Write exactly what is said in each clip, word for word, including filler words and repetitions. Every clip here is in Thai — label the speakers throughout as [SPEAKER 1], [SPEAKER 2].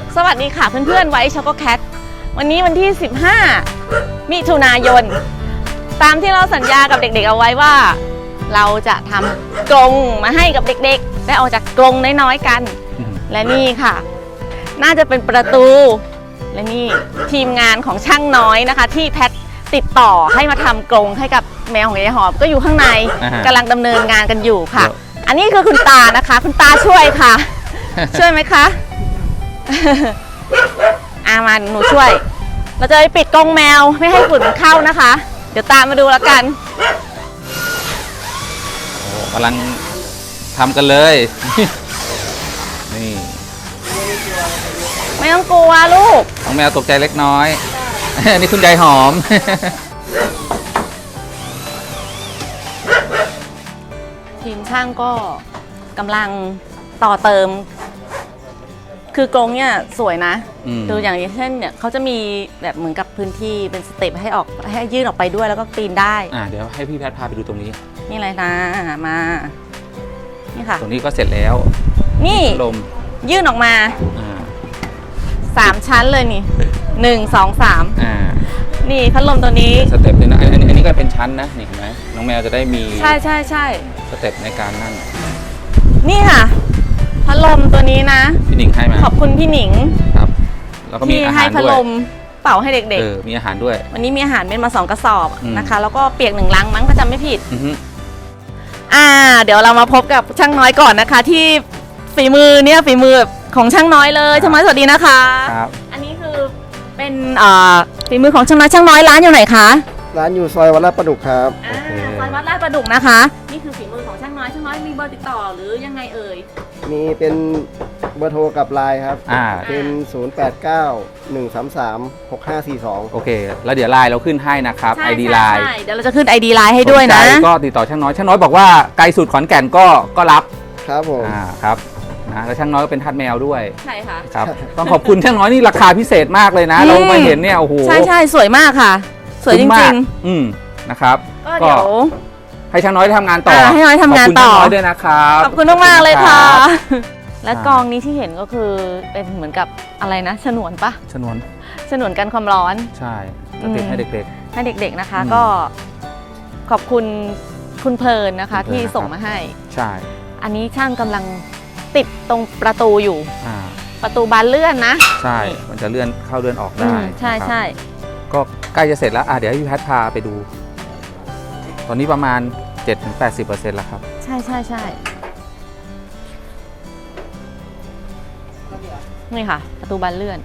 [SPEAKER 1] สวัสดีค่ะเพื่อนๆไว้ช็อกโกแคทวันนี้วันที่สิบห้ามิถุนายนตามที่เราสัญญากับเด็กๆเอาไว้ว่าเราจะทำกรงมาให้กับเด็กๆได้ออกจากกรงน้อยๆกันและนี่ค่ะน่าจะเป็นประตูและนี่ทีมงานของช่างน้อยนะคะที่แพทติดต่อให้มาทำกรงให้กับแมวของยายหอมก็อยู่ข้างในกำลังดำเนินงานกันอยู่ค่ะอันนี้คือคุณตานะคะคุณตาช่วยค่ะ ช่วยไหมคะ อามาหนูช่วยเราจะไปปิดกรงแมวไม่ให้ฝุ่นเข้านะคะเดี๋ยวตามมาดูแล้วกัน
[SPEAKER 2] โอ้กำลังทำกันเลย นี่
[SPEAKER 1] ไม่ต้องกลัวลูก
[SPEAKER 2] น้องแมวตกใจเล็กน้อย อันนี้คุณยายหอม
[SPEAKER 1] ทีมช่างก็กำลังต่อเติมคือกรงเนี่ยสวยนะคืออย่างเช่นเนี่ยเขาจะมีแบบเหมือนกับพื้นที่เป็นสเต็ปให้ออกให้ยื่นออกไปด้วยแล้วก็ปีนได้
[SPEAKER 2] อ่าเดี๋ยวให้พี่แพทพาไปดูตรงนี้
[SPEAKER 1] นี่อะไรนะมานี่ค่ะ
[SPEAKER 2] ตรงนี้ก็เสร็จแล้ว
[SPEAKER 1] นี่
[SPEAKER 2] ลม
[SPEAKER 1] ยื่นออกมาสามชั้นเลยนี่หนึ่งสองสาม
[SPEAKER 2] อ่า
[SPEAKER 1] นี่พัดลมตัวนี้
[SPEAKER 2] สเต็ปเลยนะอันนี้อันนี้ก็เป็นชั้นนะนี่เห็นไหมน้องแมวจะได้มี
[SPEAKER 1] ใช่ใช่ใช่
[SPEAKER 2] สเต็ปในการนั่น
[SPEAKER 1] นี่ค่ะพัดลมตัวนี้นะ
[SPEAKER 2] พี่หนิงให้มา
[SPEAKER 1] ขอบคุณพี่หนิง
[SPEAKER 2] ครับแล้วก็มีอาหารด้วยที่ให้
[SPEAKER 1] พัดลมเป่าให้เด็ก
[SPEAKER 2] ๆมีอาหารด้วย
[SPEAKER 1] วันนี้มีอาหารเม็ดมาสองกระสอบนะคะแล้วก็เปียกหนึ่งลังมั้งก็จำไม่ผิดอ่าเดี๋ยวเรามาพบกับช่างน้อยก่อนนะคะที่ฝีมือเนี่ยฝีมือของช่างน้อยเลยช่างน้อยสวัสดีนะคะ
[SPEAKER 2] ครับ
[SPEAKER 1] อันนี้คือเป็นฝีมือของช่างน้อยช่างน้อยร้านอยู่ไหนคะ
[SPEAKER 3] ร้านอยู่ซอยวัดลาดประดุกครับ
[SPEAKER 1] ซอยวัดลาดประดุกนะคะนี่คือฝีมือของช่างน้อยช่างน้อยมีเบอร์ติดต่อหรือยังไงเอ่ย
[SPEAKER 3] มีเป็นเบอร์โทรกับไลน์ครับ
[SPEAKER 2] อ่า
[SPEAKER 3] เป็นศูนย์ แปด เก้า หนึ่ง สาม สาม หก ห้า สี่ สอง
[SPEAKER 2] โอเคแล้วเดี๋ยวไลน์เราขึ้นให้นะครับ ไอ ดี ไลน์
[SPEAKER 1] เดี๋ยวเราจะขึ้น ไอ ดี ไลน์ให้ด้วยนะ
[SPEAKER 2] ก็ติดต่อช่างน้อยช่างน้อยบอกว่าไกลสุดขอนแก่นก็ก็รับ
[SPEAKER 3] ครับผม
[SPEAKER 2] อ่าครับนะแล้วช่างน้อยก็เป็นทาสแมวด้วย
[SPEAKER 1] ใช่ค่ะ
[SPEAKER 2] ครับต้องขอบคุณช่างน้อยนี่ราคาพิเศษมากเลยนะเรามาเห็นเนี่ยโอ้โห
[SPEAKER 1] ใช่ใช่สวยมากค่ะสวยจริง
[SPEAKER 2] ๆอืมนะครับ
[SPEAKER 1] ก็เดี๋ยว
[SPEAKER 2] ให้ช่างน้อยทำงานต่อ
[SPEAKER 1] ให้น้อยทำงานต่อ
[SPEAKER 2] ขอบคุณช่างน้อยด้วยนะครับ
[SPEAKER 1] ขอบคุณมากๆเลยค่ะและกองนี้ที่เห็นก็คือเป็นเหมือนกับอะไรนะฉนวนปะ
[SPEAKER 2] ฉนวน
[SPEAKER 1] ฉนวนกันความร้อน
[SPEAKER 2] ใช่ติดให้เด็ก
[SPEAKER 1] ๆให้เด็กๆนะคะก็ขอบคุณคุณเพลินนะคะที่ส่งมาให้
[SPEAKER 2] ใช่
[SPEAKER 1] อันนี้ช่างกำลังติดตรงประตูอยู่ประตูบานเลื่อนนะ
[SPEAKER 2] ใช่มันจะเลื่อนเข้าเลื่อนออกได้
[SPEAKER 1] ใช่ใช่
[SPEAKER 2] ก็ใกล้จะเสร็จแล้วอ่ะเดี๋ยวให้พี่แพทพาไปดูตอนนี้ประมาณ เจ็ดถึงแปดสิบเปอร์เซ็นต์ แล้วครับ
[SPEAKER 1] ใช่ใช่ใช่นี่ค่ะประตูบานเลื่อน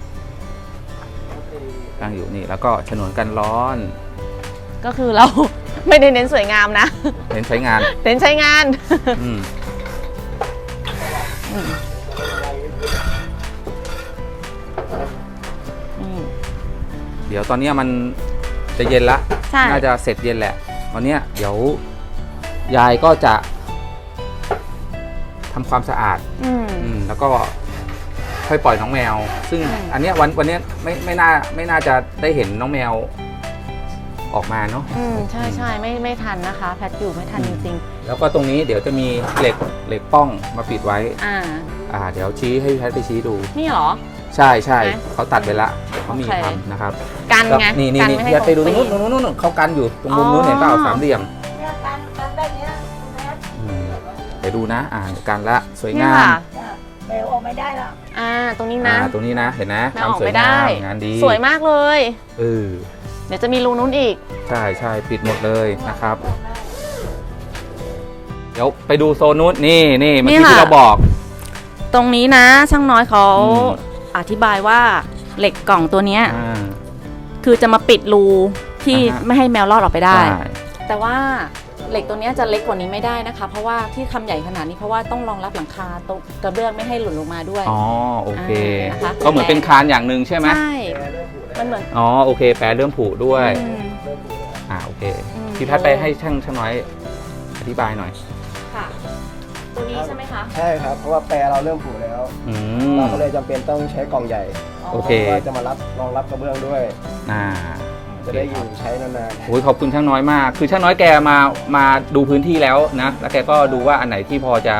[SPEAKER 2] ตั้งอยู่นี่แล้วก็ฉนวนกันร้อน
[SPEAKER 1] ก็คือเราไม่ได้เน้นสวยงามนะ
[SPEAKER 2] เน้นใช้งาน
[SPEAKER 1] เน้นใช้งาน
[SPEAKER 2] เดี๋ยวตอนนี้มันจะเย็นละน่าจะเสร็จเย็นแหละตอนนี้เดี๋ยวยายก็จะทำความสะอาดแล้วก็ค่อยปล่อยน้องแมวซึ่งอันนี้วันวันนี้ไม่ไม่น่าไม่น่าจะได้เห็นน้องแมวออกมาเนาะ
[SPEAKER 1] อืมใช่ใช่ไม่ไม่ทันนะคะแพทอยู่ไม่ทันจริง
[SPEAKER 2] ๆแล้วก็ตรงนี้เดี๋ยวจะมีเหล็กเหล็กป้องมาปิดไว้
[SPEAKER 1] อ่า
[SPEAKER 2] อ่าเดี๋ยวชี้ให้แพทไปชี้ดู
[SPEAKER 1] นี่เหรอ
[SPEAKER 2] ใช่ใช่เขาตัดไปละเขามีทำนะครับ
[SPEAKER 1] กันไง
[SPEAKER 2] นี่นี่นี่แพทไปดูตรงนู้นตรงนู้นนู้นเขากันอยู่ตรงมุมนู้นเห็นเปล่าสามเหลี่ยมเดี๋ยวดูนะอ่ากันละสวยงาม
[SPEAKER 4] แมวออกไม่ได้แล้ว
[SPEAKER 1] อ่าตรงนี้นะ
[SPEAKER 2] ตรงนี้นะเห็นนะทำสวยงามงานดี
[SPEAKER 1] สวยมากเลย
[SPEAKER 2] เออ
[SPEAKER 1] เดี๋ยวจะมีรูนู้นอีก
[SPEAKER 2] ใช่ใช่ปิดหมดเลยนะครับเดี๋ยวไปดูโซนนู้นนี่นี่เมื่อกี้ที่เราบอก
[SPEAKER 1] ตรงนี้นะช่างน้อยเขาอธิบายว่าเหล็กกล่องตัวนี้คือจะมาปิดรูที่ไม่ให้แมวรอดออกไปได้แต่ว่าเหล็กตัวนี้จะเล็กกว่านี้ไม่ได้นะคะเพราะว่าที่ทำใหญ่ขนาดนี้เพราะว่าต้องรองรับหลังคาตรงกระเบื้องไม่ให้หล่นลงมาด้วย
[SPEAKER 2] อ๋อโอเคก็เหมือนเป็นคานอย่างหนึ่งใช่ไหม
[SPEAKER 1] ใช่มันเหมือน
[SPEAKER 2] อ๋อโอเคแปรเริ่มผุด้วยอ่าโอเคพี่แพทไปให้ช่างช่างน้อยอธิบายหน่อย
[SPEAKER 1] ค่ะตัวนี้ใช่ไหมคะ
[SPEAKER 3] ใช่ครับเพราะว่าแปรเราเริ่มผุแล้วเราก็เลยจำเป็นต้องใช้กล่องใหญ่
[SPEAKER 2] โอเค
[SPEAKER 3] จะมารับรองรับกระเบื้องด้วย
[SPEAKER 2] อ่า
[SPEAKER 3] จะได้อยู่ใช้นาน
[SPEAKER 2] ๆโอ้ยขอบคุณช่างน้อยมากคือช่างน้อยแกมามาดูพื้นที่แล้วนะแล้วแกก็ดูว่าอันไหนที่พอจะ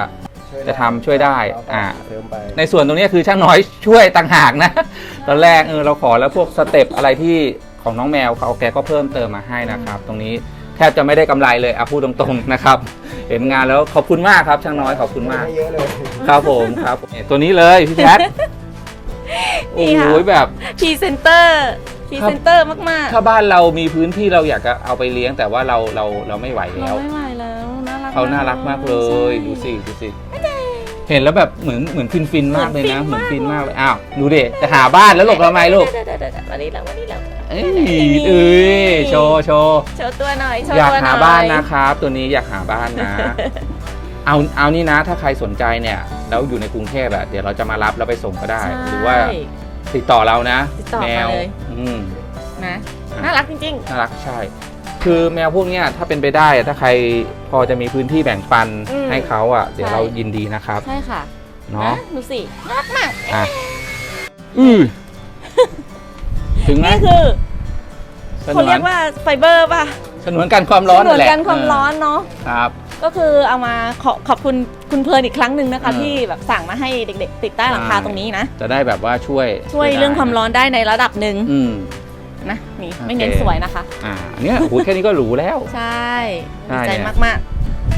[SPEAKER 3] ช่วย
[SPEAKER 2] จะทำช่วยได้
[SPEAKER 3] เราก็
[SPEAKER 2] อ่า
[SPEAKER 3] เติมไป
[SPEAKER 2] ในส่วนตรงนี้คือช่างน้อยช่วยต่างหากนะ ตอนแรกเออเราขอแล้วพวกสเต็ปอะไรที่ของน้องแมวเขาแกก็เพิ่มเติมมาให้นะครับ ตรงนี้แทบจะไม่ได้กำไรเลยเอาพูดตรงๆนะครับ เห็นงานแล้วขอบคุณมากครับช่างน้อยขอบคุณมาก
[SPEAKER 3] ไม่เยอะเลย
[SPEAKER 2] ครับผมครับเนี่ยตัวนี้เลยพี่แพทโอ้
[SPEAKER 1] นี่
[SPEAKER 2] โห
[SPEAKER 1] ค่ะ
[SPEAKER 2] แบบ
[SPEAKER 1] พรีเซนเตอร์พรีเซนเตอร์มาก
[SPEAKER 2] ถ้าบ้านเรามีพื้นที่เราอยากจะเอาไปเลี้ยงแต่ว่าเราเราเราไม่ไหว
[SPEAKER 1] ๆ
[SPEAKER 2] แล้ว
[SPEAKER 1] เราไม่ไหวแล้วน่ารัก
[SPEAKER 2] เขาน่ารักมากเลย
[SPEAKER 1] ใช่
[SPEAKER 2] ดูสิดูสิเห็นแล้วแบบเหมือนเหมือนฟินฟินๆมากเลยนะเห
[SPEAKER 1] เหมื
[SPEAKER 2] มือ
[SPEAKER 1] อน นฟิ
[SPEAKER 2] ฟิน
[SPEAKER 1] น
[SPEAKER 2] มาก
[SPEAKER 1] มาก
[SPEAKER 2] เลยอ้าวดูดิจะหาบ้านแล้วหลบทำไมลูก
[SPEAKER 1] เดี๋ยวๆๆๆวันนี้แล้ววันนี้แล้ว
[SPEAKER 2] เอ้ยเอ้ยโชว์โชว์
[SPEAKER 1] โชว์ตัวหน่อยโชว์
[SPEAKER 2] อยาก
[SPEAKER 1] ตัวหน่อย
[SPEAKER 2] หาบ้านนะครับ ตัวนี้อยากหาบ้านนะ เอาเอานี่นะ ถ้าใครสนใจเนี่ยแล้วอยู่ในกรุงเทพอะเดี๋ยวเราจะมารับแล้วไปส่งก็ได้
[SPEAKER 1] ใช่
[SPEAKER 2] หรือว่าติดต่อเรานะ
[SPEAKER 1] ติดต่อ
[SPEAKER 2] แม
[SPEAKER 1] มาว เลย
[SPEAKER 2] อืม
[SPEAKER 1] นะ
[SPEAKER 2] อ่ะ
[SPEAKER 1] น่ารักจริง
[SPEAKER 2] น่ารักใช่ คือแมวพวกเนี้ยถ้าเป็นไปได้อะถ้าใครพอจะมีพื้นที่แบ่งปัน
[SPEAKER 1] อืม
[SPEAKER 2] ให้เขาอ่ะ เดี๋ยว
[SPEAKER 1] ใช่
[SPEAKER 2] เรายินดีนะครับ
[SPEAKER 1] ๆ ใช่ค่ะ
[SPEAKER 2] เนาะ
[SPEAKER 1] ดูสิน่ารักมาก
[SPEAKER 2] อ่ะอือถึงไหม
[SPEAKER 1] นี่คือ
[SPEAKER 2] สน
[SPEAKER 1] เขา
[SPEAKER 2] ว
[SPEAKER 1] เรีย
[SPEAKER 2] น
[SPEAKER 1] กว่าไฟเบอร์ป่ะ
[SPEAKER 2] สนวนกันความร้อน
[SPEAKER 1] เหมื
[SPEAKER 2] นั่นแหละ
[SPEAKER 1] กันความร้อนเนาะ
[SPEAKER 2] เออครับ
[SPEAKER 1] ก็คือเอามาขอขอบคุณคุณเพลิร์นอีกครั้งหนึ่งนะคะ
[SPEAKER 2] เออ
[SPEAKER 1] ที่แบบสั่งมาให้เด็กๆ ติดใต้หลังคา
[SPEAKER 2] ใช่
[SPEAKER 1] ตรงนี้นะ
[SPEAKER 2] จะได้แบบว่าช่วย
[SPEAKER 1] ช่วย
[SPEAKER 2] ได้
[SPEAKER 1] เรื่องความร้อนได้ในระดับหนึ่ง
[SPEAKER 2] อืม
[SPEAKER 1] นะนี่
[SPEAKER 2] โอเค
[SPEAKER 1] ไม่เน้นสวยนะคะ
[SPEAKER 2] อ่าอันเนี้ยโอ้โหแค่นี้ก็หรูแล้ว
[SPEAKER 1] ใช่
[SPEAKER 2] ใช่
[SPEAKER 1] ดีใจ
[SPEAKER 2] เนี่ย
[SPEAKER 1] มาก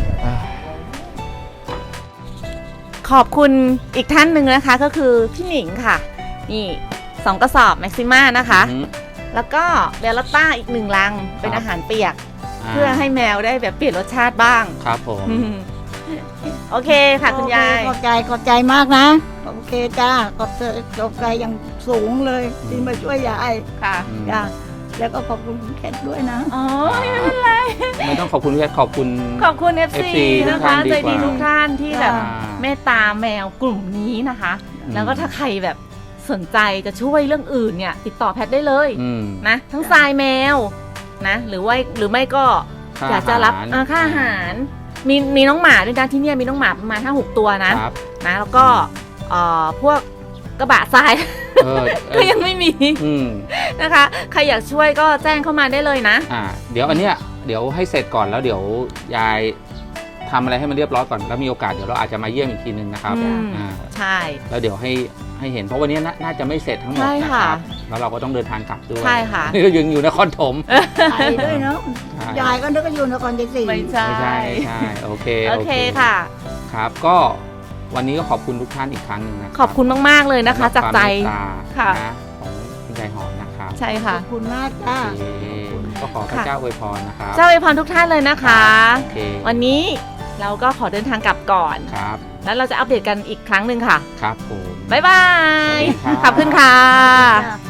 [SPEAKER 1] ๆ ขอบคุณอีกท่านหนึ่งนะคะก็คือพี่หนิงค่ะ นี่สองกระสอบแม็กซิม่านะคะ
[SPEAKER 2] อืม
[SPEAKER 1] แล้วก็เบลลต้าอีกหนึ่งลังเป็น
[SPEAKER 2] ครับ
[SPEAKER 1] อาหารเปียก
[SPEAKER 2] า
[SPEAKER 1] เพื่อให้แมวได้แบบเปลี่ยนรสชาติบ้าง
[SPEAKER 2] ครับผม
[SPEAKER 1] อืมโอเคค่ะคุณยาย
[SPEAKER 4] ขอบใจขอบใจมากนะ โอเคจ้าขอบใจขอบใจอย่างสูงเลยที่มาช่วยยาย
[SPEAKER 1] ค่ะ
[SPEAKER 2] อืม
[SPEAKER 4] จ้าแล้วก็ขอบคุณคุณแคทด้วยนะ
[SPEAKER 1] อ๋อไม่เป็นไร
[SPEAKER 2] ไม่ต้องขอบคุณพี่แพทขอบคุณ
[SPEAKER 1] ขอบคุณ เอฟ ซี
[SPEAKER 2] เอฟซี
[SPEAKER 1] นะคะ
[SPEAKER 2] ทุกท่านดี
[SPEAKER 1] ใจ
[SPEAKER 2] กว่า
[SPEAKER 1] ดีทุกท่านที่แบบ
[SPEAKER 4] อ่า
[SPEAKER 1] เมตตาแมวกลุ่มนี้นะคะ
[SPEAKER 2] อืม
[SPEAKER 1] แล้วก็ถ้าใครแบบสนใจจะช่วยเรื่องอื่นเนี่ย ติดต่อแพทได้เลย
[SPEAKER 2] อืม
[SPEAKER 1] นะ ทั้งทรายแมวนะ หรือว่าหรือไม่ก็
[SPEAKER 2] ค่
[SPEAKER 1] อยากจะรับ
[SPEAKER 2] ห
[SPEAKER 1] อ่าค่าอาหาร มีมีน้องหมาด้วยนะที่เนี่ยมีน้องหมาประมาณห้าหกตัวนะครับ นะแล้วก็เอ่อพวกกระบะทราย
[SPEAKER 2] เออเอ
[SPEAKER 1] ก็
[SPEAKER 2] อ
[SPEAKER 1] ยังไม่มี
[SPEAKER 2] อืม
[SPEAKER 1] นะคะ ใครอยากช่วยก็แจ้งเข้ามาได้เลยนะ
[SPEAKER 2] อ่า เดี๋ยวอันเนี้ยเดี๋ยวให้เสร็จก่อนแล้วเดี๋ยวยายทำอะไรให้มันเรียบร้อยก่อนแล้วมีโอกาสเดี๋ยวเราอาจจะมาเยี่ยมอีกทีนึงนะครับ
[SPEAKER 1] อืม
[SPEAKER 2] อ่า
[SPEAKER 1] ใช่
[SPEAKER 2] แล้วเดี๋ยวให้ให้เห็นเพราะวันนี้น่าน่าจะไม่เสร็จทั้งหมด
[SPEAKER 1] ใช่
[SPEAKER 2] นะ
[SPEAKER 1] ค่ะ
[SPEAKER 2] ครับแล้วเราก็ต้องเดินทางกลับด้วย
[SPEAKER 1] ใช่ค่ะ
[SPEAKER 2] นี่ก็ยังอยู่นครถม
[SPEAKER 4] ไปด้วยเนาะ
[SPEAKER 2] ใช่
[SPEAKER 4] ยายก็นึกว่าอยู่นครชัยศรี
[SPEAKER 1] ไม่ใช่
[SPEAKER 2] ไม่ใช่ไม่ใช่โอเค
[SPEAKER 1] โอเคค่ะ
[SPEAKER 2] ครับ ก็วันนี้ก็ขอบคุณทุกท่านอีกครั้งหนึ่งนะรั
[SPEAKER 1] ขอบคุณมาก ๆ เลยนะคะ จากใจ
[SPEAKER 2] สำหรับความเมตตา
[SPEAKER 1] ค่ะ
[SPEAKER 2] นะของคุณยายหอมนะครับ
[SPEAKER 1] ใช่
[SPEAKER 4] ข
[SPEAKER 1] ค่ะ
[SPEAKER 4] อบคุณมากจ้า
[SPEAKER 2] โอเคก็ขอพระเจ้าอวยพรนะครับ
[SPEAKER 1] เจ้าอวยพรทุกท่านเลยนะคะ
[SPEAKER 2] โอเค
[SPEAKER 1] วันนี้เราก็ขอเดินทางกลับก่อน
[SPEAKER 2] ครับ
[SPEAKER 1] แล้วเราจะอัปเดตกันอีกครั้งหนึ่งค่ะ
[SPEAKER 2] ครับผม
[SPEAKER 1] บ๊ายบาย
[SPEAKER 2] สวัสดีครับ
[SPEAKER 1] ขอบคุณค่ะ
[SPEAKER 4] จ้า